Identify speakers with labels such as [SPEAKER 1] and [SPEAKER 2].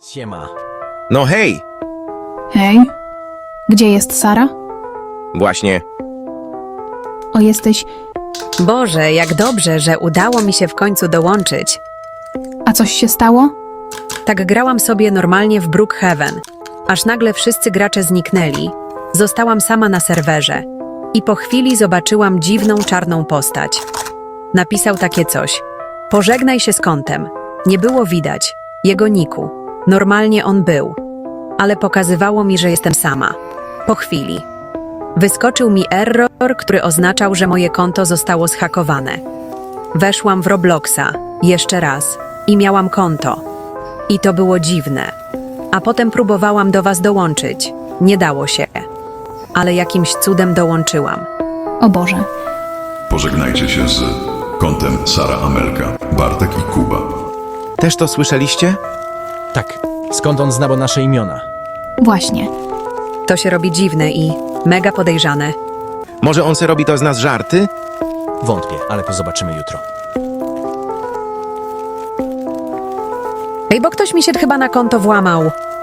[SPEAKER 1] Siema.
[SPEAKER 2] No hej!
[SPEAKER 3] Hej, gdzie jest Sara?
[SPEAKER 2] Właśnie.
[SPEAKER 3] O, jesteś...
[SPEAKER 4] Boże, jak dobrze, że udało mi się w końcu dołączyć.
[SPEAKER 3] A coś się stało?
[SPEAKER 4] Tak grałam sobie normalnie w Brookhaven, aż nagle wszyscy gracze zniknęli. Zostałam sama na serwerze i po chwili zobaczyłam dziwną czarną postać. Napisał takie coś. Pożegnaj się z kątem. Nie było widać jego niku. Normalnie on był, ale pokazywało mi, że jestem sama. Po chwili wyskoczył mi error, który oznaczał, że moje konto zostało zhakowane. Weszłam w Robloxa jeszcze raz i miałam konto. I to było dziwne. A potem próbowałam do was dołączyć. Nie dało się. Ale jakimś cudem dołączyłam.
[SPEAKER 3] O Boże.
[SPEAKER 5] Pożegnajcie się z kątem Sara Amelka, Bartek i Kuba.
[SPEAKER 2] Też to słyszeliście?
[SPEAKER 1] Tak, skąd on zna nasze imiona?
[SPEAKER 3] Właśnie.
[SPEAKER 4] To się robi dziwne i mega podejrzane.
[SPEAKER 2] Może on se robi to z nas żarty?
[SPEAKER 1] Wątpię, ale to zobaczymy jutro.
[SPEAKER 4] Ej, bo ktoś mi się chyba na konto włamał.